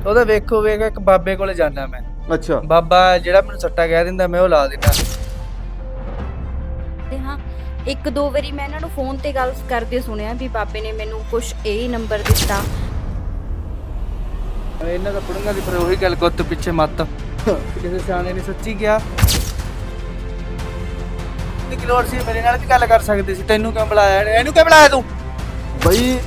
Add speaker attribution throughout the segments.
Speaker 1: ਉਹਦਾ ਵੇਖੋ ਵੇਖ ਇੱਕ ਬਾਬੇ ਕੋਲੇ ਜਾਣਾ ਮੈਂ।
Speaker 2: ਅੱਛਾ
Speaker 1: ਬਾਬਾ ਜਿਹੜਾ ਮੈਨੂੰ ਸੱਟਾ ਕਹਿ ਦਿੰਦਾ ਮੈਂ ਉਹ ਲਾ ਦਿੰਦਾ।
Speaker 3: ਤੇ ਹਾਂ, ਇੱਕ ਦੋ ਵਾਰੀ ਮੈਂ ਇਹਨਾਂ ਨੂੰ ਫੋਨ ਤੇ ਗੱਲ ਕਰਦੇ ਸੁਣਿਆ ਵੀ ਬਾਬੇ ਨੇ ਮੈਨੂੰ ਕੁਛ ਇਹ ਨੰਬਰ ਦਿੱਤਾ।
Speaker 1: ਇਹਨਾਂ ਦਾ ਪੁੜੰਗਾ ਦੀ ਪਰ ਉਹੀ ਗੱਲ ਗੁੱਤ ਪਿੱਛੇ ਮੱਤ ਕਿਸੇ ਸਿਆਣੇ ਨੇ ਸੱਚੀ ਕਿਹਾ। ਕਿ ਲੋੜ ਸੀ ਮੇਰੇ ਨਾਲ ਵੀ ਗੱਲ ਕਰ ਸਕਦੇ ਸੀ, ਤੈਨੂੰ ਕਿਉਂ ਬੁਲਾਇਆ? ਇਹਨੂੰ ਕਿਉਂ ਬੁਲਾਇਆ ਤੂੰ?
Speaker 2: ਬਈ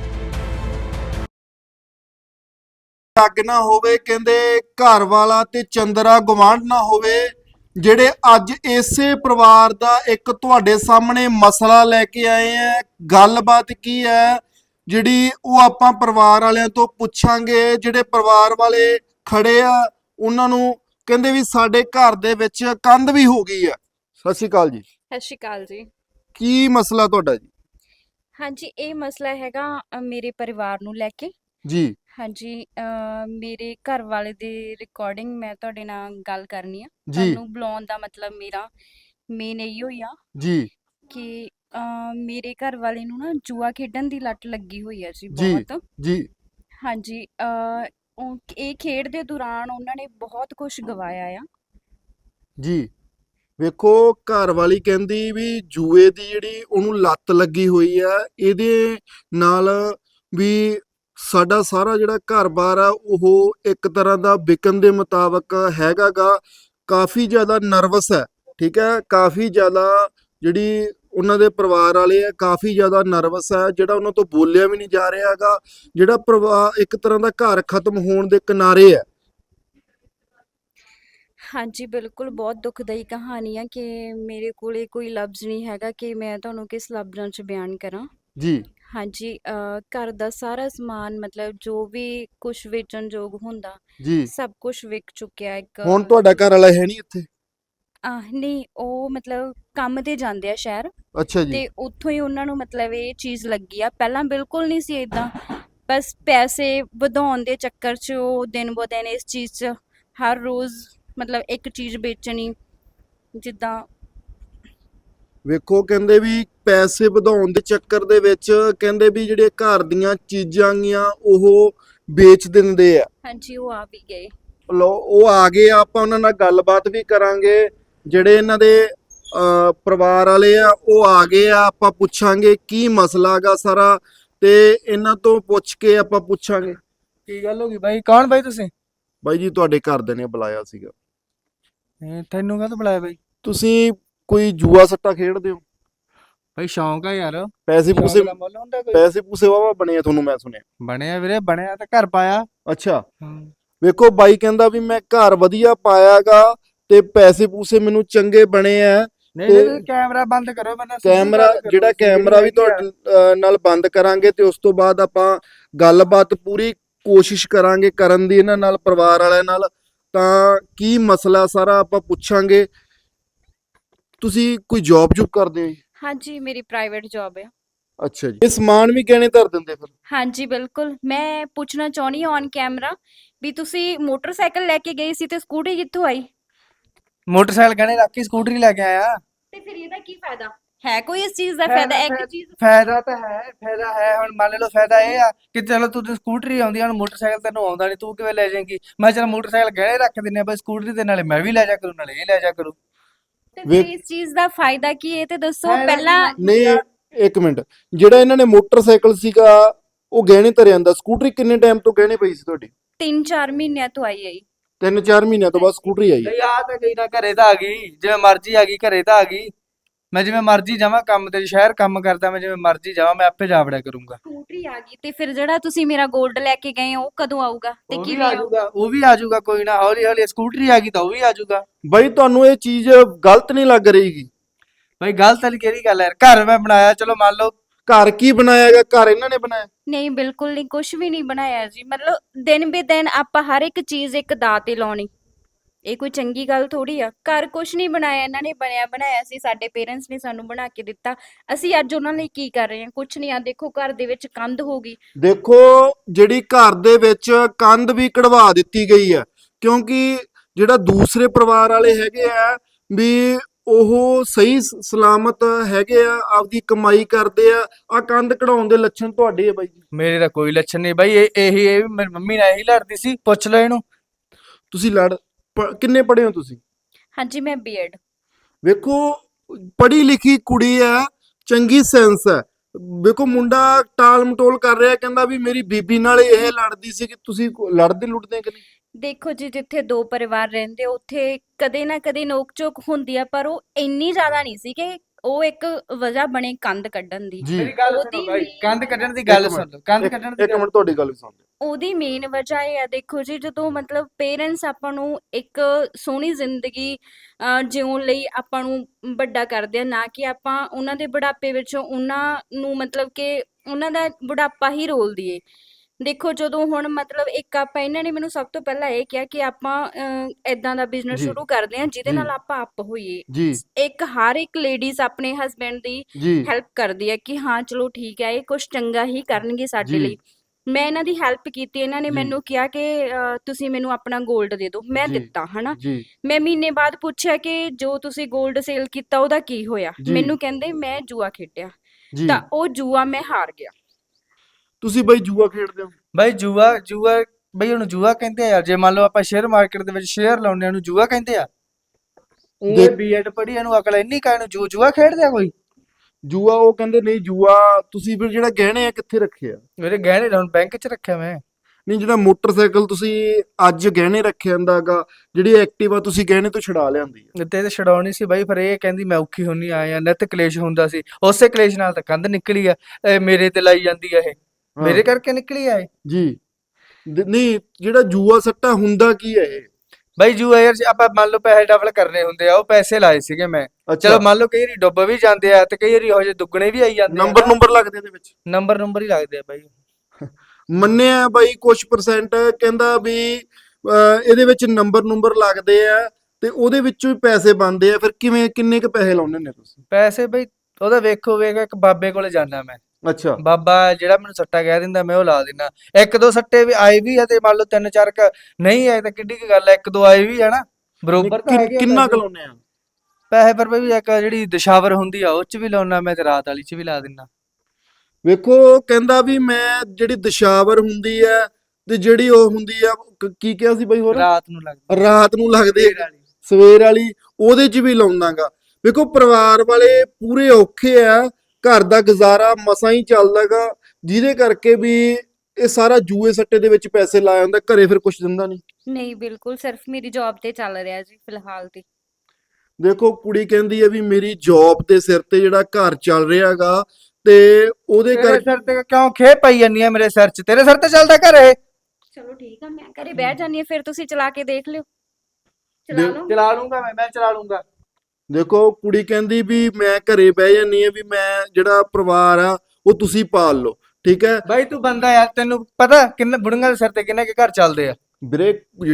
Speaker 2: ਅੱਗ ਨਾ ਹੋਵੇ, ਕਹਿੰਦੇ ਘਰ ਵਾਲਾ ਤੇ ਚੰਦਰਾ ਗਵਾਂਢ ਨਾ ਹੋਵੇ। ਜਿਹੜੇ ਅੱਜ ਇਸੇ ਪਰਿਵਾਰ ਦਾ ਇੱਕ ਤੁਹਾਡੇ ਸਾਹਮਣੇ ਮਸਲਾ ਲੈ ਕੇ ਆਏ ਆ, ਗੱਲਬਾਤ ਕੀ ਹੈ ਜਿਹੜੀ ਉਹ ਆਪਾਂ ਪਰਿਵਾਰ ਵਾਲਿਆਂ ਤੋਂ ਪੁੱਛਾਂਗੇ। ਜਿਹੜੇ ਪਰਿਵਾਰ ਵਾਲੇ ਖੜੇ ਆ ਉਹਨਾਂ ਨੂੰ ਕਹਿੰਦੇ ਵੀ ਸਾਡੇ ਘਰ ਦੇ ਵਿੱਚ ਕੰਧ ਵੀ ਹੋ ਗਈ ਆ। ਸਤਿ ਸ਼੍ਰੀ ਅਕਾਲ ਜੀ।
Speaker 3: ਸਤਿ ਸ਼੍ਰੀ ਅਕਾਲ ਜੀ।
Speaker 2: ਕੀ ਮਸਲਾ ਤੁਹਾਡਾ ਜੀ?
Speaker 3: ਹਾਂਜੀ, ਇਹ ਮਸਲਾ ਹੈਗਾ ਮੇਰੇ ਪਰਿਵਾਰ ਨੂੰ ਲੈ ਕੇ।
Speaker 2: ਜੀ
Speaker 3: ਹਾਂਜੀ, ਮੇਰੇ ਘਰ ਵਾਲੇ ਦੇ ਰਿਕਾਰਡਿੰਗ ਮੈਂ ਤੁਹਾਡੇ ਨਾਲ ਗੱਲ ਕਰਨੀ ਆ।
Speaker 2: ਜੀ
Speaker 3: ਤੁਹਾਨੂੰ ਬੁਲਾਉਣ ਦਾ ਮਤਲਬ ਮੇਰਾ ਮੇਨ ਇਹੋ ਹੀ ਆ
Speaker 2: ਜੀ
Speaker 3: ਕਿ ਮੇਰੇ ਘਰ ਵਾਲੇ ਨੂੰ ਨਾ ਜੂਆ ਖੇਡਣ ਦੀ ਲੱਤ ਲੱਗੀ ਹੋਈ ਹੈ ਜੀ
Speaker 2: ਜੀ
Speaker 3: ਬਹੁਤ।
Speaker 2: ਜੀ
Speaker 3: ਹਾਂਜੀ, ਇਹ ਖੇਡ ਦੇ ਦੌਰਾਨ ਉਹਨਾਂ ਨੇ ਬਹੁਤ ਕੁਝ ਗਵਾਇਆ ਆ।
Speaker 2: ਜੀ ਵੇਖੋ, ਘਰ ਵਾਲੀ ਕਹਿੰਦੀ ਵੀ ਜੂਏ ਦੀ ਜਿਹੜੀ ਉਹਨੂੰ ਲੱਤ ਲੱਗੀ ਹੋਈ ਆ, ਇਹਦੇ ਨਾਲ ਵੀ ਸਾਡਾ ਸਾਰਾ ਜਿਹੜਾ ਘਰ-ਬਾਰ ਆ ਉਹ ਇੱਕ ਤਰ੍ਹਾਂ ਦਾ ਵਿਕਣ ਦੇ ਮੁਤਾਬਕ ਹੈਗਾਗਾ। ਕਾਫੀ ਜ਼ਿਆਦਾ ਨਰਵਸ ਹੈ, ਠੀਕ ਹੈ। ਕਾਫੀ ਜ਼ਿਆਦਾ ਜਿਹੜੀ ਉਹਨਾਂ ਦੇ ਪਰਿਵਾਰ ਵਾਲੇ ਆ ਕਾਫੀ ਜ਼ਿਆਦਾ ਨਰਵਸ ਹੈ। ਜਿਹੜਾ ਉਹਨਾਂ ਤੋਂ ਬੋਲਿਆ ਵੀ ਨਹੀਂ ਜਾ ਰਿਹਾ ਹੈਗਾ। ਜਿਹੜਾ ਪਰਿਵਾਰ ਇੱਕ ਤਰ੍ਹਾਂ ਦਾ ਘਰ ਖਤਮ ਹੋਣ ਦੇ ਕਿਨਾਰੇ ਹੈ।
Speaker 3: ਹਾਂਜੀ, ਬਿਲਕੁਲ ਬਹੁਤ ਦੁਖਦਾਈ ਕਹਾਣੀ ਆ ਕਿ ਮੇਰੇ ਕੋਲੇ ਕੋਈ ਲਫ਼ਜ਼ ਨਹੀਂ ਹੈਗਾ ਕਿ ਮੈਂ ਤੁਹਾਨੂੰ ਕਿਸ ਲਫ਼ਜ਼ਾਂ 'ਚ ਬਿਆਨ ਕਰਾਂ।
Speaker 2: ਜੀ
Speaker 3: ਹਾਂਜੀ, ਘਰ ਦਾ ਸਾਰਾ ਸਮਾਨ ਮਤਲਬ ਜੋ ਵੀ ਕੁਝ ਵੇਚਣਯੋਗ ਹੁੰਦਾ
Speaker 2: ਜੀ
Speaker 3: ਸਭ ਕੁਝ ਵਿਕ ਚੁੱਕਿਆ। ਇੱਕ
Speaker 2: ਹੁਣ ਤੁਹਾਡਾ ਘਰ ਵਾਲਾ ਹੈ ਨਹੀਂ ਇੱਥੇ?
Speaker 3: ਨਹੀਂ, ਉਹ ਮਤਲਬ ਕੰਮ ਤੇ ਜਾਂਦੇ ਆ ਸ਼ਹਿਰ,
Speaker 2: ਅੱਛਾ ਜੀ।
Speaker 3: ਤੇ ਉੱਥੋਂ ਹੀ ਉਹਨਾਂ ਨੂੰ ਮਤਲਬ ਇਹ ਚੀਜ਼ ਲੱਗੀ ਆ। ਪਹਿਲਾਂ ਬਿਲਕੁਲ ਨਹੀਂ ਸੀ ਇਦਾਂ, ਬਸ ਪੈਸੇ ਵਧਾਉਣ ਦੇ ਚੱਕਰ 'ਚ ਉਹ ਦਿਨ ਬ ਦਿਨ ਇਸ ਚੀਜ਼ 'ਚ ਹਰ ਰੋਜ਼ ਮਤਲਬ ਇੱਕ ਚੀਜ਼ ਵੇਚਣੀ। ਜਿੱਦਾਂ
Speaker 2: ਵੇਖੋ, ਕਹਿੰਦੇ ਵੀ ਪੈਸੇ ਵਧਾਉਣ ਦੇ ਚੱਕਰ ਦੇ ਵਿੱਚ ਕਹਿੰਦੇ ਵੀ ਜਿਹੜੇ ਘਰ ਦੀਆਂ ਚੀਜ਼ਾਂ ਗੀਆਂ ਉਹ ਵੇਚ ਦਿੰਦੇ ਆ।
Speaker 3: ਹਾਂਜੀ, ਉਹ ਆ ਵੀ ਗਏ।
Speaker 2: ਲੋ ਉਹ ਆ ਗਏ ਆ, ਆਪਾਂ ਉਹਨਾਂ ਨਾਲ ਗੱਲਬਾਤ ਵੀ ਕਰਾਂਗੇ। ਜਿਹੜੇ ਇਹਨਾਂ ਦੇ ਪਰਿਵਾਰ ਵਾਲੇ ਆ ਉਹ ਆ ਗਏ ਆ, ਆਪਾਂ ਪੁੱਛਾਂਗੇ ਕੀ ਮਸਲਾ ਹੈਗਾ ਸਾਰਾ, ਤੇ ਇਹਨਾਂ ਤੋਂ ਪੁੱਛ ਕੇ ਆਪਾਂ ਪੁੱਛਾਂਗੇ
Speaker 1: ਕੀ ਗੱਲ ਹੋ ਗਈ ਬਾਈ? ਕੌਣ ਬਾਈ ਤੁਸੀਂ?
Speaker 2: ਬਾਈ ਜੀ ਤੁਹਾਡੇ ਘਰਦਿਆਂ ਨੇ ਬੁਲਾਇਆ ਸੀਗਾ।
Speaker 1: ਤੈਨੂੰ ਕਾਹਤੋਂ ਬੁਲਾਇਆ ਬਾਈ?
Speaker 2: ਤੁਸੀਂ ਕੋਈ ਜੂਆ ਸੱਟਾ ਖੇਡਦੇ ਹੋ?
Speaker 1: ਬਾਈ ਸ਼ੌਂਕ ਆ ਯਾਰ।
Speaker 2: ਪੈਸੇ
Speaker 1: ਸ਼ੌਂਕ
Speaker 2: ਪੂਸੇ
Speaker 1: ਦਾ ਮੁੱਲ ਹੁੰਦਾ ਕੋਈ?
Speaker 2: ਪੈਸੇ ਪੂਸੇ ਵਾਵਾ ਬਣੇ ਆ ਤੁਹਾਨੂੰ, ਮੈਂ ਸੁਣਿਆ।
Speaker 1: ਬਣਿਆ ਵੀਰੇ, ਬਣਿਆ ਤਾਂ ਘਰ ਪਾਇਆ।
Speaker 2: ਅੱਛਾ, ਵੇਖੋ ਬਾਈ ਕਹਿੰਦਾ ਵੀ ਮੈਂ ਘਰ ਵਧੀਆ ਪਾਇਆਗਾ ਤੇ ਪੈਸੇ ਪੂਸੇ ਮੈਨੂੰ ਚੰਗੇ ਬਣੇ ਆ।
Speaker 1: ਨਹੀਂ ਨਹੀਂ, ਤੁਸੀਂ ਕੈਮਰਾ ਬੰਦ ਕਰੋ। ਮੈਨੂੰ
Speaker 2: ਕੈਮਰਾ ਜਿਹੜਾ ਕੈਮਰਾ ਵੀ ਤੁਹਾਡੇ ਨਾਲ ਬੰਦ ਕਰਾਂਗੇ ਤੇ ਉਸ ਤੋਂ ਬਾਅਦ ਆਪਾਂ ਗੱਲਬਾਤ ਪੂਰੀ ਕੋਸ਼ਿਸ਼ ਕਰਾਂਗੇ ਕਰਨ ਦੀ ਇਹਨਾਂ ਨਾਲ, ਪਰਿਵਾਰ ਵਾਲਿਆਂ ਨਾਲ। ਤਾਂ ਕੀ ਮਸਲਾ ਸਾਰਾ ਆਪਾਂ ਪੁੱਛਾਂਗੇ। ਤੁਸੀਂ ਕੋਈ ਜੌਬ ਜੂਬ ਕਰਦੇ ਹੋ ਜੀ?
Speaker 3: ਹਾਂਜੀ, ਮੇਰੀ ਪ੍ਰਾਈਵੇਟ ਜੌਬ ਆ।
Speaker 2: ਅੱਛਾ ਜੀ। ਇਹ ਸਮਾਨ ਵੀ ਗਹਿਣੇ ਧਰ ਦਿੰਦੇ ਫਿਰ?
Speaker 3: ਹਾਂਜੀ, ਬਿਲਕੁਲ। ਮੈਂ ਪੁੱਛਣਾ ਚਾਹੁੰਦੀ ਹਾਂ ਔਨ ਕੈਮਰਾ ਵੀ ਤੁਸੀਂ ਮੋਟਰਸਾਈਕਲ ਲੈ ਕੇ ਗਏ ਸੀ ਤੇ ਸਕੂਟੀ ਕਿੱਥੋਂ ਆਈ?
Speaker 1: ਮੋਟਰਸਾਈਕਲ ਗਹਿਣੇ ਰੱਖ ਕੇ ਸਕੂਟਰੀ ਲੈ ਕੇ ਆਇਆ।
Speaker 3: ਤੇ ਫਿਰ ਇਹਦਾ ਕੀ ਫਾਇਦਾ ਹੈ? ਕੋਈ ਇਸ ਚੀਜ਼ ਦਾ ਫਾਇਦਾ? ਇੱਕ ਚੀਜ਼
Speaker 1: ਫਾਇਦਾ ਤਾਂ ਹੈ, ਫਾਇਦਾ ਹੈ। ਹੁਣ ਮੰਨ ਲਓ ਫਾਇਦਾ ਇਹ ਆ ਕਿ ਚਲੋ ਤੂੰ ਸਕੂਟਰੀ ਆਉਂਦੀ ਆ, ਹੁਣ ਮੋਟਰਸਾਈਕਲ ਤੈਨੂੰ ਆਉਂਦਾ ਨਹੀਂ, ਤੂੰ ਕਿਵੇਂ ਲੈ ਜਾਏਂਗੀ? ਮੈਂ ਚਲ ਮੋਟਰਸਾਈਕਲ ਗਹਿਣੇ ਰੱਖ ਦਿੰਨੇ ਆ ਬਈ ਸਕੂਟਰੀ ਦੇ, ਨਾਲੇ ਮੈਂ ਵੀ ਲੈ ਜਾ ਕਰੂ ਨਾਲੇ ਇਹ ਲੈ ਜਾ ਕਰੂ।
Speaker 3: ਤੇ ਫਿਰ ਇਸ ਚੀਜ਼ ਦਾ ਫਾਇਦਾ ਕੀ? ਇਹ ਤੇ ਦੱਸੋ ਪਹਿਲਾਂ।
Speaker 2: ਨਹੀਂ, ਇੱਕ ਮਿੰਟ। ਜਿਹੜਾ ਇਹਨਾਂ ਨੇ ਮੋਟਰਸਾਈਕਲ ਸੀਗਾ ਉਹ ਗਹਿਣੇ ਧਰਿਆ ਜਾਂਦਾ, ਸਕੂਟਰੀ ਕਿੰਨੇ ਟਾਈਮ ਤੋਂ ਗਹਿਣੇ ਪਈ ਸੀ ਤੁਹਾਡੀ?
Speaker 3: 3-4 ਮਹੀਨਿਆਂ ਤੋਂ ਆਈ ਹੈ।
Speaker 2: 3-4 ਮਹੀਨਿਆਂ ਤੋਂ ਬਾਅਦ ਸਕੂਟਰੀ ਆਈ?
Speaker 1: ਨਹੀਂ, ਆ ਤਾਂ ਗਈ ਨਾ, ਘਰੇ ਤਾਂ ਆ ਗਈ। ਜਿਵੇਂ ਮਰਜ਼ੀ ਆ ਗਈ, ਘਰੇ ਤਾਂ ਆ ਗਈ। ਮੈਂ ਜਿਵੇਂ ਮਰਜ਼ੀ ਜਾਵਾਂ ਕੰਮ ਤੇ, ਸ਼ਹਿਰ ਕੰਮ ਕਰਦਾ, ਮੈਂ ਜਿਵੇਂ ਮਰਜ਼ੀ ਜਾਵਾਂ, ਮੈਂ ਆਪੇ ਜਾ ਵੜਿਆ ਕਰੂੰਗਾ।
Speaker 3: ਸਕੂਟਰੀ ਆ ਗਈ ਤੇ ਫਿਰ ਜਿਹੜਾ ਤੁਸੀਂ ਮੇਰਾ 골ਡ ਲੈ ਕੇ ਗਏ ਉਹ ਕਦੋਂ ਆਊਗਾ ਤੇ
Speaker 1: ਉਹ ਵੀ
Speaker 3: ਕਿਵੇਂ
Speaker 1: ਆ
Speaker 3: ਆਊਗਾ?
Speaker 1: ਜਾਊਗਾ, ਉਹ ਵੀ ਆ ਜਾਊਗਾ, ਕੋਈ ਨਾ। ਹੌਲੀ ਹੌਲੀ ਸਕੂਟਰੀ ਆ ਗਈ ਤਾਂ ਉਹ ਵੀ ਆ ਜਾਊਗਾ।
Speaker 2: ਬਾਈ ਤੁਹਾਨੂੰ ਇਹ ਚੀਜ਼ ਗਲਤ ਨਹੀਂ ਲੱਗ ਰਹੀਗੀ?
Speaker 1: ਬਈ ਗਲਤ ਵਾਲੀ ਕਿਹੜੀ ਗੱਲ ਹੈ? ਘਰ ਮੈਂ ਬਣਾਇਆ, ਚਲੋ ਮੰਨ ਲਓ।
Speaker 2: ਘਰ ਕੀ ਬਣਾਇਆਗਾ? ਘਰ ਇਹਨਾਂ ਨੇ ਬਣਾਇਆ?
Speaker 3: ਨਹੀਂ, ਬਿਲਕੁਲ ਨਹੀਂ, ਕੁਝ ਵੀ ਨਹੀਂ ਬਣਾਇਆ ਜੀ। ਮਤਲਬ ਦਿਨ ਬੇ ਦਿਨ ਆਪਾਂ ਹਰ ਇੱਕ ਚੀਜ਼ ਇੱਕ ਦਾਅ ਤੇ ਲਾਉਣੀ, ਇਹ ਕੋਈ ਚੰਗੀ ਗੱਲ ਥੋੜੀ ਆ। ਘਰ ਕੁਝ ਨਹੀਂ ਬਣਾਇਆ ਇਹਨਾਂ ਨੇ, ਬਣਿਆ ਬਣਾਇਆ ਸੀ ਸਾਡੇ ਪੇਰੈਂਟਸ ਨੇ ਸਾਨੂੰ ਬਣਾ ਕੇ ਦਿੱਤਾ। ਅਸੀਂ ਅੱਜ ਉਹਨਾਂ ਲਈ ਕੀ ਕਰ ਰਹੇ ਹਾਂ? ਕੁਝ ਨਹੀਂ। ਆ ਦੇਖੋ, ਘਰ ਦੇ ਵਿੱਚ ਕੰਧ ਹੋ ਗਈ।
Speaker 2: ਦੇਖੋ, ਜਿਹੜੀ ਘਰ ਦੇ ਵਿੱਚ ਕੰਧ ਵੀ ਕਢਵਾ ਦਿੱਤੀ ਗਈ ਹੈ, ਕਿਉਂਕਿ ਜਿਹੜਾ ਦੂਸਰੇ ਪਰਿਵਾਰ ਵਾਲੇ ਹੈਗੇ ਆ ਵੀ ਉਹ ਸਹੀ ਸਲਾਮਤ ਹੈਗੇ ਆ, ਆਪਦੀ ਕਮਾਈ ਕਰਦੇ ਆ? ਆ ਕੰਧ ਕਢਾਉਣ ਦੇ ਲੱਛਣ ਤੁਹਾਡੇ ਆ ਬਾਈ ਜੀ।
Speaker 1: ਮੇਰੇ ਤਾਂ ਕੋਈ ਲੱਛਣ ਨਹੀਂ ਬਾਈ, ਇਹ ਮੇਰੀ ਮੰਮੀ ਨਾਲ ਇਹੀ ਲੜਦੀ ਸੀ, ਪੁੱਛ ਲੈ ਇਹਨੂੰ।
Speaker 2: ਤੁਸੀਂ ਕਿੰਨੇ ਪੜ੍ਹੇ ਹੋ ਤੁਸੀਂ?
Speaker 3: ਹਾਂਜੀ ਮੈਂ ਬੀਐਡ।
Speaker 2: ਵੇਖੋ ਪੜ੍ਹੀ ਲਿਖੀ ਕੁੜੀ ਆ, ਚੰਗੀ ਸੈਂਸ ਹੈ। ਵੇਖੋ ਮੁੰਡਾ ਟਾਲ ਮਟੋਲ ਕਰ ਰਿਹਾ, ਕਹਿੰਦਾ ਵੀ ਮੇਰੀ ਬੀਬੀ ਨਾਲ ਇਹ ਲੜਦੀ ਸੀ। ਕਿ ਤੁਸੀਂ ਲੜਦੇ ਲੁੱਟਦੇ ਕਿ ਨਹੀਂ?
Speaker 3: ਦੇਖੋ ਜੀ, ਜਿੱਥੇ ਦੋ ਪਰਿਵਾਰ ਰਹਿੰਦੇ ਉੱਥੇ ਕਦੇ ਨਾ ਕਦੇ ਨੋਕ ਝੋਕ ਹੁੰਦੀ ਆ, ਪਰ ਉਹ ਇੰਨੀ ਜ਼ਿਆਦਾ ਨਹੀਂ ਸੀ ਕਿ ਉਹ ਇੱਕ ਵਜ੍ਹਾ ਬਣੇ ਕੰਧ ਕੱਢਣ ਦੀ।
Speaker 2: ਜੀ
Speaker 1: ਮੇਰੀ ਗੱਲ
Speaker 3: ਉਹਦੀ
Speaker 1: ਸੁਣੋ ਬਾਈ,
Speaker 3: main
Speaker 1: ਕੰਧ ਕੱਢਣ ਦੀ ਗੱਲ ਸੁਣ ਲਓ, ਕੰਧ
Speaker 2: ਇੱਕ
Speaker 1: ਕੱਢਣ ਦੀ
Speaker 2: ਇੱਕ
Speaker 1: ਗੱਲ।
Speaker 2: ਮਿੰਟ ਤੁਹਾਡੀ ਗੱਲ ਸੁਣ ਲਓ।
Speaker 3: ਉਹਦੀ ਮੇਨ ਵਜ੍ਹਾ ਇਹ ਆ, ਦੇਖੋ ਜੀ, ਜਦੋਂ ਮਤਲਬ ਪੇਰੈਂਟਸ ਆਪਾਂ ਨੂੰ ਇੱਕ ਸੋਹਣੀ ਜ਼ਿੰਦਗੀ ਜਿਉਣ ਲਈ ਆਪਾਂ ਨੂੰ ਵੱਡਾ ਕਰਦੇ ਆ, ਨਾ ਕਿ ਆਪਾਂ ਉਹਨਾਂ ਦੇ ਬੁਢਾਪੇ ਵਿੱਚ ਉਹਨਾਂ ਨੂੰ ਮਤਲਬ ਕਿ ਉਹਨਾਂ ਦਾ ਬੁਢਾਪਾ ਹੀ ਰੋਲ ਦਈਏ। ਦੇਖੋ ਜਦੋਂ ਹੁਣ ਮਤਲਬ ਇੱਕ ਆਪਾਂ ਇਹਨਾਂ ਨੇ ਮੈਨੂੰ ਸਭ ਤੋਂ ਪਹਿਲਾਂ ਇਹ ਕਿਹਾ ਕਿ ਆਪਾਂ ਏਦਾਂ ਦਾ ਬਿਜ਼ਨਸ
Speaker 2: ਜੀ
Speaker 3: ਸ਼ੁਰੂ ਕਰਦੇ ਹਾਂ ਜਿਹਦੇ
Speaker 2: ਜੀ
Speaker 3: ਨਾਲ ਆਪਾਂ ਅੱਪ ਹੋਈਏ।
Speaker 2: ਜੀ
Speaker 3: ਇੱਕ ਹਰ ਇੱਕ ਲੇਡੀਜ਼ ਆਪਣੇ ਹਸਬੈਂਡ ਦੀ
Speaker 2: ਜੀ
Speaker 3: ਹੈਲਪ ਕਰਦੀ ਹੈ ਕਿ ਹਾਂ ਚਲੋ ਠੀਕ ਹੈ, ਇਹ ਕੁਝ ਚੰਗਾ ਹੀ ਕਰਨਗੇ ਸਾਡੇ
Speaker 2: ਜੀ
Speaker 3: ਲਈ। ਮੈਂ ਇਹਨਾਂ ਦੀ ਹੈਲਪ ਕੀਤੀ, ਇਹਨਾਂ ਨੇ
Speaker 2: ਜੀ
Speaker 3: ਮੈਨੂੰ ਕਿਹਾ ਕਿ ਤੁਸੀਂ ਮੈਨੂੰ ਆਪਣਾ 골ਡ ਦੇ ਦਿਓ, ਮੈਂ
Speaker 2: ਜੀ
Speaker 3: ਦਿੱਤਾ ਹਨਾ।
Speaker 2: ਜੀ
Speaker 3: ਮੈਂ ਮਹੀਨੇ ਬਾਅਦ ਪੁੱਛਿਆ ਕਿ ਜੋ ਤੁਸੀਂ 골ਡ ਸੇਲ ਕੀਤਾ ਉਹਦਾ ਕੀ ਹੋਇਆ,
Speaker 2: ਜੀ
Speaker 3: ਮੈਨੂੰ ਕਹਿੰਦੇ ਮੈਂ ਜੂਆ ਖੇਡਿਆ,
Speaker 2: ਜੀ
Speaker 3: ਤਾਂ ਉਹ ਜੂਆ ਮੈਂ ਹਾਰ ਗਿਆ।
Speaker 2: ਤੁਸੀਂ ਬਾਈ ਜੂਆ ਖੇਡਦੇ ਹੋ?
Speaker 1: ਬਾਈ ਜੂਆ ਬਈ ਉਹਨੂੰ ਜੂਆ ਕਹਿੰਦੇ ਆ ਯਾਰ। ਜੇ ਮੰਨ ਲਓ ਆਪਾਂ ਸ਼ੇਅਰ ਮਾਰਕੀਟ ਦੇ ਵਿੱਚ ਸ਼ੇਅਰ ਲਾਉਂਦੇ ਆ, ਉਹਨੂੰ ਜੂਆ ਕਹਿੰਦੇ ਆ? ਉਹ
Speaker 2: ਦੇਖ
Speaker 1: ਬੀਐਡ ਪੜ੍ਹੀ, ਇਹਨੂੰ ਅਕਲ ਇੰਨੀ ਕਾ, ਇਹਨੂੰ ਜੂਆ ਖੇਡਦੇ ਆ ਕੋਈ?
Speaker 2: ਜੂਆ ਉਹ ਕਹਿੰਦੇ ਨਹੀਂ ਜੂਆ। ਤੁਸੀਂ ਫਿਰ ਜਿਹੜਾ ਗਹਿਣੇ ਆ ਕਿੱਥੇ ਰੱਖੇ ਆ?
Speaker 1: ਮੇਰੇ ਗਹਿਣੇ ਤਾਂ ਹੁਣ ਬੈਂਕ 'ਚ ਰੱਖਿਆ ਮੈਂ।
Speaker 2: ਨਹੀਂ, ਜਿਹੜਾ ਮੋਟਰਸਾਈਕਲ ਤੁਸੀਂ ਅੱਜ ਗਹਿਣੇ ਰੱਖਿਆ ਹੁੰਦਾਗਾ, ਜਿਹੜੀ ਐਕਟਿਵਾ ਤੁਸੀਂ ਗਹਿਣੇ ਤੋਂ ਛੁਡਾ ਲਿਆਂਦੀ ਆ?
Speaker 1: ਤੇ ਛਡਾਉਣੀ ਸੀ ਬਾਈ, ਫਿਰ ਇਹ ਕਹਿੰਦੀ ਮੈਂ ਔਖੀ ਹੁੰਨੀ ਆਇਆ, ਨਿੱਤ ਕਲੇਸ਼ ਹੁੰਦਾ ਸੀ, ਉਸੇ ਕਲੇਸ਼ ਨਾਲ ਤਾਂ ਕੰਧ ਨਿਕਲੀ ਆ। ਇਹ ਮੇਰੇ ਤੇ ਲਾਈ ਜਾਂਦੀ ਆ, ਇਹ
Speaker 2: ਹਾਂ
Speaker 1: ਮੇਰੇ ਕਰਕੇ ਨਿਕਲੀ ਆ ਇਹ।
Speaker 2: ਜੀ। ਨਹੀਂ, ਜਿਹੜਾ ਜੂਆ ਸੱਟਾ ਹੁੰਦਾ ਕੀ ਹੈ ਇਹ?
Speaker 1: ਬਾਈ ਜੂਆ ਯਾਰ, ਜੇ ਆਪਾਂ ਮੰਨ ਲਓ ਪੈਸੇ ਡਬਲ ਕਰਨੇ ਹੁੰਦੇ ਆ, ਉਹ ਪੈਸੇ ਲਾਏ ਸੀਗੇ ਮੈਂ।
Speaker 2: ਅੱਛਾ,
Speaker 1: ਚਲੋ ਮੰਨ ਲਓ ਕਈ ਵਾਰੀ ਡੁੱਬ ਵੀ ਜਾਂਦੇ ਆ, ਤੇ ਕਈ ਵਾਰੀ ਉਹ ਜਿਹੇ ਦੁੱਗਣੇ ਵੀ ਆਈ ਜਾਂਦੇ ਆ
Speaker 2: ਨੰਬਰ
Speaker 1: ਨਾ।
Speaker 2: ਨੰਬਰ ਲੱਗਦੇ ਇਹਦੇ ਵਿੱਚ?
Speaker 1: ਨੰਬਰ ਹੀ ਲੱਗਦੇ ਆ ਬਾਈ।
Speaker 2: ਮੰਨਿਆ ਬਾਈ ਕੁਝ ਪਰਸੈਂਟ ਕਹਿੰਦਾ ਵੀ ਇਹਦੇ ਵਿੱਚ ਨੰਬਰ ਲੱਗਦੇ ਆ ਤੇ ਉਹਦੇ ਵਿੱਚੋਂ ਹੀ ਪੈਸੇ ਬਣਦੇ ਆ। ਫਿਰ ਕਿਵੇਂ, ਕਿੰਨੇ ਕ ਪੈਸੇ ਲਾਉਂਦੇ ਨੇ ਤੁਸੀਂ?
Speaker 1: ਪੈਸੇ ਬਈ ਉਹਦਾ ਵੇਖੋ ਇੱਕ ਬਾਬੇ ਕੋਲੇ ਜਾਂਦਾ ਮੈਂ।
Speaker 2: ਅੱਛਾ,
Speaker 1: ਬਾਬਾ ਜਿਹੜਾ ਮੈਨੂੰ ਸੱਟਾ ਕਹਿ ਦਿੰਦਾ, ਮੈਂ ਉਹ ਲਾ ਦਿੰਦਾ। ਇੱਕ ਦੋ ਸੱਟੇ ਵੀ ਆਏ ਵੀ ਆ, ਤੇ ਮੰਨ ਲਓ 3-4 ਨਹੀਂ ਆਏ ਤਾਂ ਕਿੱਡੀ ਕੀ ਗੱਲ ਆ, ਇੱਕ ਦੋ ਆਏ ਵੀ ਆ ਨਾ, ਬਰੋਬਰ ਤਾਂ ਹੈਗੇ ਆ
Speaker 2: ਕਿੰਨਾ ਕ
Speaker 1: ਪੈਸੇ।
Speaker 2: ਲਾਉਂਦੇ ਆ?
Speaker 1: ਪੈਸੇ ਪਰ ਬਈ ਇੱਕ ਜਿਹੜੀ ਦਿਸ਼ਾਵਰ ਹੁੰਦੀ ਆ ਉਹ 'ਚ ਵੀ ਲਾਉਣਾ ਮੈਂ, ਤੇ ਰਾਤ ਵਾਲੀ 'ਚ ਵੀ ਲਾ ਦਿੰਦਾ।
Speaker 2: ਵੇਖੋ ਕਹਿੰਦਾ ਵੀ ਮੈਂ ਜਿਹੜੀ ਦਿਸ਼ਾਵਰ ਹੁੰਦੀ ਹੈ ਤੇ ਜਿਹੜੀ ਉਹ ਹੁੰਦੀ ਆ, ਕੀ ਕਿਹਾ ਸੀ ਬਾਈ ਹੋਰ?
Speaker 1: ਰਾਤ ਨੂੰ ਲੱਗਦੀ
Speaker 2: ਰਾਤ ਨੂੰ ਲੱਗਦੇ,
Speaker 1: ਸਵੇਰ ਵਾਲੀ।
Speaker 2: ਸਵੇਰ ਵਾਲੀ, ਉਹਦੇ 'ਚ ਵੀ ਲਾਉਂਦਾਗਾ। ਵੇਖੋ ਪਰਿਵਾਰ ਵਾਲੇ ਪੂਰੇ ਔਖੇ ਆ, ਘਰ ਦਾ ਗੁਜ਼ਾਰਾ ਮਸਾਂ ਹੀ ਚੱਲਦਾਗਾ, ਜਿਹਦੇ ਕਰਕੇ ਵੀ ਇਹ ਸਾਰਾ ਜੂਏ ਸੱਟੇ ਦੇ ਵਿੱਚ ਪੈਸੇ ਲਾਇਆ ਹੁੰਦਾ। ਘਰੇ ਫਿਰ ਕੁਝ ਦਿੰਦਾ ਨਹੀਂ?
Speaker 3: ਨਹੀਂ ਬਿਲਕੁਲ, ਸਿਰਫ ਮੇਰੀ ਜੌਬ ਤੇ ਚੱਲ ਰਿਹਾ ਜੀ ਫਿਲਹਾਲ ਤੇ।
Speaker 2: ਦੇਖੋ ਕੁੜੀ ਕਹਿੰਦੀ ਹੈ ਵੀ ਮੇਰੀ ਜੌਬ ਦੇ ਸਿਰ ਤੇ ਜਿਹੜਾ ਘਰ ਚੱਲ ਰਿਹਾਗਾ, ਤੇ ਉਹਦੇ
Speaker 1: ਤੇਰੇ
Speaker 2: ਕਰਕੇ
Speaker 1: ਸਿਰ ਤੇ ਕਿਉਂ ਖੇ ਪਈ ਜਾਂਦੀ ਆ ਮੇਰੇ ਸਿਰ 'ਚ? ਤੇਰੇ ਸਿਰ ਤੇ ਚੱਲਦਾ ਘਰ ਇਹ?
Speaker 3: ਚਲੋ ਠੀਕ ਆ, ਮੈਂ ਘਰੇ ਬਹਿ ਜਾਂਦੀ ਹਾਂ, ਫਿਰ ਤੁਸੀਂ ਚਲਾ ਕੇ ਦੇਖ ਲਿਓ। ਚਲਾ ਲਓ।
Speaker 1: ਚਲਾ ਲੂੰਗਾ ਮੈਂ ਚਲਾ ਲੂੰਗਾ।
Speaker 2: ਦੇਖੋ ਕੁੜੀ ਕਹਿੰਦੀ ਵੀ ਮੈਂ ਘਰੇ ਬਹਿ ਜਾਨੀ ਆ, ਵੀ ਮੈਂ ਜਿਹੜਾ ਪਰਿਵਾਰ ਆ ਉਹ ਤੁਸੀਂ ਪਾਲ ਲਓ, ਠੀਕ ਹੈ?
Speaker 1: ਬਾਈ ਤੂੰ ਬੰਦਾ ਯਾਰ, ਤੈਨੂੰ ਪਤਾ ਕਿੰਨੇ ਬੁੜੀਆਂ ਦੇ ਸਿਰ ਤੇ ਕਿੰਨੇ ਕੇ ਘਰ ਚੱਲਦੇ ਆ?
Speaker 2: ਵੀਰੇ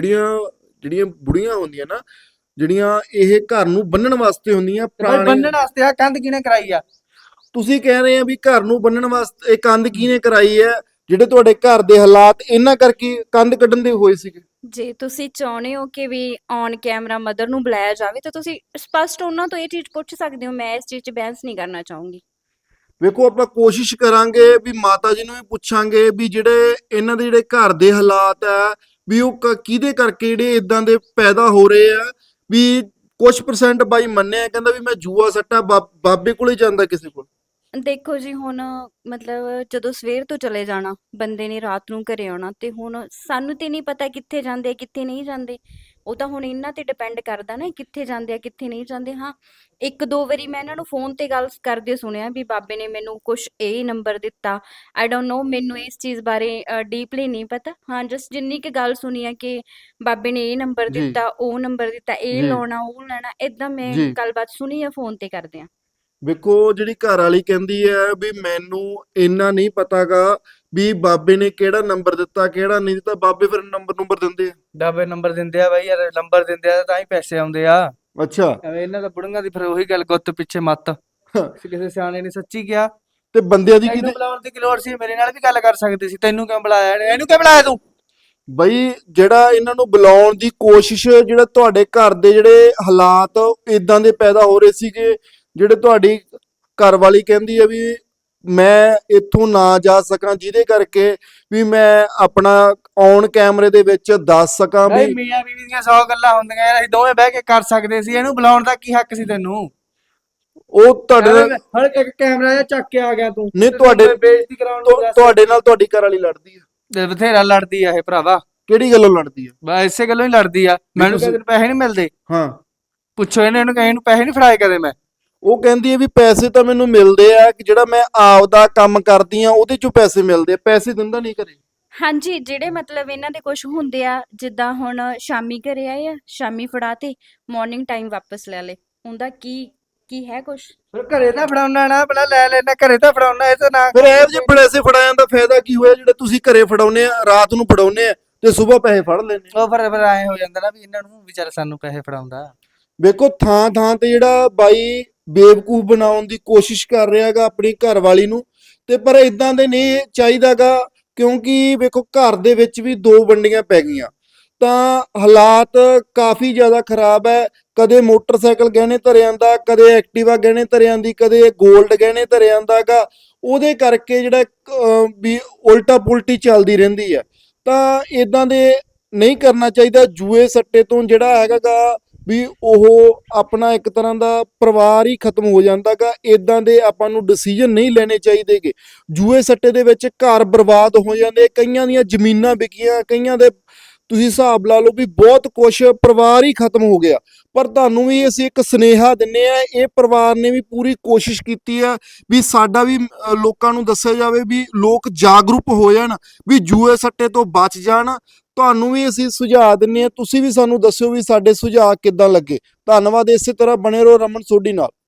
Speaker 2: ਜਿਹੜੀਆਂ ਬੁੜੀਆਂ ਹੁੰਦੀਆਂ ਨਾ, ਜਿਹੜੀਆਂ ਇਹ ਘਰ ਨੂੰ ਬੰਨਣ ਵਾਸਤੇ ਹੁੰਦੀਆਂ,
Speaker 1: ਬਾਈ
Speaker 2: ਪੁਰਾਣੇ।
Speaker 1: ਬੰਨਣ ਵਾਸਤੇ ਆ ਕੰਧ ਕਿਹਨੇ ਕਰਾਈ ਆ?
Speaker 2: ਤੁਸੀਂ ਕਹਿ ਰਹੇ ਆ ਵੀ ਘਰ ਨੂੰ ਬੰਨਣ ਵਾਸਤੇ ਇਹ ਕੰਧ ਕਿਹਨੇ ਕਰਾਈ ਹੈ? ਜਿਹੜੇ ਤੁਹਾਡੇ ਘਰ ਦੇ ਹਾਲਾਤ ਇਹਨਾਂ ਕਰਕੇ ਕੰਧ ਕੱਢਣ ਦੇ ਹੋਏ ਸੀਗੇ।
Speaker 3: ਜੇ ਤੁਸੀਂ ਚਾਹੁੰਦੇ ਹੋ ਕਿ ਵੀ ਔਨ ਕੈਮਰਾ ਮਦਰ ਨੂੰ ਬੁਲਾਇਆ ਜਾਵੇ ਤਾਂ ਤੁਸੀਂ ਸਪਸ਼ਟ ਉਹਨਾਂ ਤੋਂ ਇਹ ਚੀਜ਼ ਪੁੱਛ ਸਕਦੇ ਹੋ। ਮੈਂ ਇਸ ਚੀਜ਼ 'ਚ ਬਹਿਸ ਨਹੀਂ ਕਰਨਾ ਚਾਹੂੰਗੀ।
Speaker 2: ਵੇਖੋ ਆਪਾਂ ਕੋਸ਼ਿਸ਼ ਕਰਾਂਗੇ ਵੀ ਮਾਤਾ ਜੀ ਨੂੰ ਵੀ ਪੁੱਛਾਂਗੇ ਵੀ ਜਿਹੜੇ ਇਹਨਾਂ ਦੇ ਜਿਹੜੇ ਘਰ ਦੇ ਹਾਲਾਤ ਆ, ਵੀ ਉਹ ਕਿਹਦੇ ਕਰਕੇ ਜਿਹੜੇ ਇਦਾਂ ਦੇ ਪੈਦਾ ਹੋ ਰਹੇ ਆ। ਵੀ ਕੁਝ ਪਰਸੈਂਟ ਬਾਈ ਮੰਨਿਆ, ਕਹਿੰਦਾ ਵੀ ਮੈਂ ਜੂਆ ਸੱਟਾ ਬਾਬੇ ਕੋਲੇ ਜਾਂਦਾ ਕਿਸੇ ਕੋਲ।
Speaker 3: ਦੇਖੋ ਜੀ, ਹੁਣ ਮਤਲਬ ਜਦੋਂ ਸਵੇਰ ਤੋਂ ਚਲੇ ਜਾਣਾ ਬੰਦੇ ਨੇ, ਰਾਤ ਨੂੰ ਘਰੇ ਆਉਣਾ, ਤੇ ਹੁਣ ਸਾਨੂੰ ਤੇ ਨਹੀਂ ਪਤਾ ਕਿੱਥੇ ਜਾਂਦੇ ਕਿੱਥੇ ਨਹੀਂ ਜਾਂਦੇ। ਉਹ ਤਾਂ ਹੁਣ ਇਹਨਾਂ ਤੇ ਡਿਪੈਂਡ ਕਰਦਾ ਨਾ, ਕਿੱਥੇ ਜਾਂਦੇ ਆ ਕਿੱਥੇ ਨਹੀਂ ਜਾਂਦੇ। ਹਾਂ, ਇੱਕ ਦੋ ਵਾਰੀ ਮੈਂ ਇਹਨਾਂ ਨੂੰ ਫੋਨ ਤੇ ਗੱਲ ਕਰਦੇ ਸੁਣਿਆ ਵੀ ਬਾਬੇ ਨੇ ਮੈਨੂੰ ਕੁਛ ਇਹ ਨੰਬਰ ਦਿੱਤਾ। ਆਈ ਡੋਂਟ ਨੋ, ਮੈਨੂੰ ਇਸ ਚੀਜ਼ ਬਾਰੇ ਡੀਪਲੀ ਨਹੀਂ ਪਤਾ। ਹਾਂ, ਜਸਟ ਜਿੰਨੀ ਕੁ ਗੱਲ ਸੁਣੀ ਆ ਕਿ ਬਾਬੇ ਨੇ ਇਹ ਨੰਬਰ
Speaker 2: ਜੀ
Speaker 3: ਦਿੱਤਾ, ਉਹ ਨੰਬਰ ਦਿੱਤਾ, ਇਹ
Speaker 2: ਜੀ
Speaker 3: ਲਾਉਣਾ ਉਹ ਲੈਣਾ, ਏਦਾਂ ਮੈਂ
Speaker 2: ਜੀ।
Speaker 3: ਗੱਲਬਾਤ ਸੁਣੀ ਆ ਫੋਨ ਤੇ ਕਰਦੇ ਆ।
Speaker 2: ਵੇਖੋ ਜਿਹੜੀ ਘਰ ਵਾਲੀ ਕਹਿੰਦੀ ਹੈ ਵੀ ਮੈਨੂੰ ਇੰਨਾ ਨਹੀਂ ਪਤਾਗਾ ਵੀ ਬਾਬੇ ਨੇ ਕਿਹੜਾ ਨੰਬਰ ਦਿੱਤਾ ਕਿਹੜਾ ਨਹੀਂ ਦਿੱਤਾ। ਬਾਬੇ ਫਿਰ ਨੰਬਰ ਦਿੰਦੇ ਆ?
Speaker 1: ਡਾਬੇ ਨੰਬਰ ਦਿੰਦੇ ਆ ਬਾਈ, ਯਾਰ ਨੰਬਰ ਦਿੰਦੇ ਆ ਤਾਂ ਹੀ ਪੈਸੇ ਆਉਂਦੇ ਆ।
Speaker 2: ਅੱਛਾ,
Speaker 1: ਐਵੇਂ ਇਹਨਾਂ ਦਾ ਬੁੜੀਆਂ ਦੀ ਫਿਰ ਉਹੀ ਗੱਲ, ਗੁੱਤ ਪਿੱਛੇ ਮੱਤ। ਕਿਸੇ ਸਿਆਣੇ ਨੇ ਸੱਚੀ ਕਿਹਾ।
Speaker 2: ਤੇ ਬੰਦਿਆਂ ਦੀ
Speaker 1: ਤੈਨੂੰ
Speaker 2: ਕਿਹਦੇ?
Speaker 1: ਬੁਲਾਉਣ ਦੀ ਕੀ ਲੋੜ ਸੀ? ਮੇਰੇ ਨਾਲ ਵੀ ਗੱਲ ਕਰ ਸਕਦੀ ਸੀ। ਤੈਨੂੰ ਕਿਉਂ ਬੁਲਾਇਆ? ਇਹਨੂੰ ਕਿਉਂ ਬੁਲਾਇਆ ਤੂੰ?
Speaker 2: ਬਈ ਜਿਹੜਾ ਇਹਨਾਂ ਨੂੰ ਬੁਲਾਉਣ ਦੀ ਕੋਸ਼ਿਸ਼, ਜਿਹੜਾ ਤੁਹਾਡੇ ਘਰ ਦੇ ਜਿਹੜੇ ਹਾਲਾਤ ਇਦਾਂ ਦੇ ਪੈਦਾ ਹੋ ਰਹੇ ਸੀਗੇ, ਜਿਹੜੇ ਤੁਹਾਡੀ ਘਰ ਵਾਲੀ ਕਹਿੰਦੀ ਹੈ ਵੀ ਮੈਂ ਇੱਥੋਂ ਨਾ ਜਾ ਸਕਾਂ, ਜਿਹਦੇ ਕਰਕੇ ਵੀ ਮੈਂ ਆਪਣਾ ਔਨ ਕੈਮਰੇ ਦੇ ਵਿੱਚ ਦੱਸ ਸਕਾਂ
Speaker 1: ਬਈ
Speaker 2: ਵੀ
Speaker 1: ਮੀਆਂ ਬੀਵੀ ਦੀਆਂ 100 ਗੱਲਾਂ ਹੁੰਦੀਆਂ ਯਾਰ, ਅਸੀਂ ਦੋਵੇਂ ਬਹਿ ਕੇ ਕਰ ਸਕਦੇ ਸੀ, ਇਹਨੂੰ ਬੁਲਾਉਣ ਦਾ ਕੀ ਹੱਕ ਸੀ ਤੈਨੂੰ?
Speaker 2: ਉਹ ਤੁਹਾਡੇ ਨਾਲ
Speaker 1: ਹੁਣ ਇੱਕ ਕੈਮਰਾ ਜਿਹਾ ਚੱਕ ਕੇ ਆ ਗਿਆ ਤੂੰ,
Speaker 2: ਨਹੀਂ,
Speaker 1: ਤੇ
Speaker 2: ਤੁਹਾਡੇ-
Speaker 1: ਤੂੰ ਬੇਇੱਜ਼ਤੀ ਕਰਾਉਣ ਨੂੰ ਦੱਸ।
Speaker 2: ਤੁਹਾਡੇ ਨਾਲ ਤੁਹਾਡੀ ਘਰ ਵਾਲੀ ਲੜਦੀ ਆ?
Speaker 1: ਤੇ ਬਥੇਰਾ ਲੜਦੀ ਆ ਇਹ ਭਰਾਵਾ,
Speaker 2: ਕਿਹੜੀ ਗੱਲੋਂ ਲੜਦੀ ਆ?
Speaker 1: ਬਸ ਇਸੇ ਗੱਲੋਂ ਹੀ ਲੜਦੀ ਆ। ਮੈਨੂੰ
Speaker 2: ਤੁਸੀਂ-
Speaker 1: ਕਦੇ ਪੈਸੇ ਨਹੀਂ ਮਿਲਦੇ,
Speaker 2: ਹਾਂ,
Speaker 1: ਪੁੱਛੋ ਇਹਨੂੰ ਕਹੇ ਇਹਨੂੰ ਪੈਸੇ ਨਹੀਂ ਫੜਾਏ ਕਦੇ ਮੈਂ।
Speaker 2: ਉਹ ਕਹਿੰਦੀ ਹੈ ਵੀ ਪੈਸੇ ਤਾਂ ਮੈਨੂੰ ਮਿਲਦੇ ਆ, ਕਿ ਜਿਹੜਾ ਮੈਂ ਆਪਦਾ ਕੰਮ ਕਰਦੀ ਆ ਉਹਦੇ ਚੋਂ ਪੈਸੇ ਮਿਲਦੇ ਆ, ਪੈਸੇ ਦਿੰਦਾ ਨਹੀਂ ਘਰੇ।
Speaker 3: ਹਾਂਜੀ, ਜਿਹੜੇ ਮਤਲਬ ਇਹਨਾਂ ਦੇ ਕੁਝ ਹੁੰਦੇ ਆ, ਜਿੱਦਾਂ ਹੁਣ ਸ਼ਾਮੀ ਘਰੇ ਆਏ ਆ, ਸ਼ਾਮੀ ਫੜਾਤੇ, ਮਾਰਨਿੰਗ ਟਾਈਮ ਵਾਪਸ ਲੈ ਲੇ, ਉਹਦਾ ਕੀ ਹੈ ਕੁਝ?
Speaker 1: ਫਿਰ ਘਰੇ ਤਾਂ ਫੜਾਉਣਾ ਨਾ, ਬੜਾ ਲੈ ਲੈਣਾ, ਘਰੇ ਤਾਂ ਫੜਾਉਣਾ, ਇਹ ਤਾਂ ਨਾ
Speaker 2: ਫਿਰ ਇਹ ਜੇ ਪੈਸੇ ਫੜਾਉਣ ਦਾ ਫਾਇਦਾ ਕੀ ਹੋਇਆ, ਜਿਹੜੇ ਤੁਸੀਂ ਘਰੇ ਫੜਾਉਨੇ ਆ, ਰਾਤ ਨੂੰ ਫੜਾਉਨੇ ਆ ਤੇ ਸਵੇਰ ਪੈਸੇ ਫੜ ਲੈਨੇ।
Speaker 1: ਉਹ ਫਿਰ ਐ ਹੋ ਜਾਂਦਾ ਨਾ ਵੀ ਇਹਨਾਂ ਨੂੰ ਵਿਚਾਰਾ ਸਾਨੂੰ ਪੈਸੇ ਫੜਾਉਂਦਾ।
Speaker 2: ਵੇਖੋ ਥਾਂ ਥਾਂ ਤੇ ਜਿਹੜਾ ਬਾਈ ਬੇਵਕੂਫ ਬਣਾਉਣ ਦੀ ਕੋਸ਼ਿਸ਼ ਕਰ ਰਿਹਾਗਾ ਆਪਣੀ ਘਰ ਵਾਲੀ ਨੂੰ, ਤੇ ਪਰ ਇਦਾਂ ਦੇ ਨਹੀਂ ਚਾਹੀਦਾਗਾ, ਕਿਉਂਕਿ ਵੇਖੋ ਘਰ ਦੇ ਵਿੱਚ ਵੀ ਦੋ ਵੰਡੀਆਂ ਪੈ ਗਈਆਂ, ਤਾਂ ਹਾਲਾਤ ਕਾਫੀ ਜ਼ਿਆਦਾ ਖਰਾਬ ਹੈ। ਕਦੇ ਮੋਟਰਸਾਈਕਲ ਗਹਿਣੇ ਧਰੇ ਆਂਦਾ, ਕਦੇ ਐਕਟਿਵਾ ਗਹਿਣੇ ਧਰੇ ਆਂਦੀ, ਕਦੇ 골ਡ ਗਹਿਣੇ ਧਰੇ ਆਂਦਾਗਾ, ਉਹਦੇ ਕਰਕੇ ਜਿਹੜਾ ਵੀ ਉਲਟਾ ਪੁਲਟੀ ਚੱਲਦੀ ਰਹਿੰਦੀ ਹੈ। ਤਾਂ ਇਦਾਂ ਦੇ ਨਹੀਂ ਕਰਨਾ ਚਾਹੀਦਾ। ਜੂਏ ਸੱਟੇ ਤੋਂ ਜਿਹੜਾ ਹੈਗਾਗਾ ਵੀ ਉਹ ਆਪਣਾ ਇੱਕ ਤਰ੍ਹਾਂ ਦਾ ਪਰਿਵਾਰ ਹੀ ਖਤਮ ਹੋ ਜਾਂਦਾਗਾ। ਇਦਾਂ ਦੇ ਆਪਾਂ ਨੂੰ ਡਿਸੀਜਨ ਨਹੀਂ ਲੈਣੇ ਚਾਹੀਦੇਗੇ। ਜੂਏ ਸੱਟੇ ਦੇ ਵਿੱਚ ਘਰ ਬਰਬਾਦ ਹੋ ਜਾਂਦੇ, ਕਈਆਂ ਦੀਆਂ ਜ਼ਮੀਨਾਂ ਵਿਕੀਆਂ, ਕਈਆਂ ਦੇ ਤੁਸੀਂ ਹਿਸਾਬ ਲਾ ਲਓ ਵੀ ਬਹੁਤ ਕੁਛ, ਪਰਿਵਾਰ ਹੀ ਖਤਮ ਹੋ ਗਿਆ। ਪਰ ਤੁਹਾਨੂੰ ਵੀ ਅਸੀਂ ਇੱਕ ਸੁਨੇਹਾ ਦਿੰਨੇ ਆ, ਇਹ ਪਰਿਵਾਰ ਨੇ ਵੀ ਪੂਰੀ ਕੋਸ਼ਿਸ਼ ਕੀਤੀ ਆ ਵੀ ਸਾਡਾ ਵੀ ਲੋਕਾਂ ਨੂੰ ਦੱਸਿਆ ਜਾਵੇ ਵੀ ਲੋਕ ਜਾਗਰੂਕ ਹੋ ਜਾਣ, ਵੀ ਜੂਏ ਸੱਟੇ ਤੋਂ ਬਚ ਜਾਣ। ਤੁਹਾਨੂੰ ਵੀ ਅਸੀਂ ਸੁਝਾਅ ਦਿੰਨੇ ਆ, ਤੁਸੀਂ ਵੀ ਸਾਨੂੰ ਦੱਸਿਓ ਵੀ ਸਾਡੇ ਸੁਝਾਅ ਕਿੱਦਾਂ ਲੱਗੇ। ਧੰਨਵਾਦ। ਇਸੇ ਤਰ੍ਹਾਂ ਬਣੇ ਰਹੋ ਰਮਨ ਸੋਢੀ ਨਾਲ।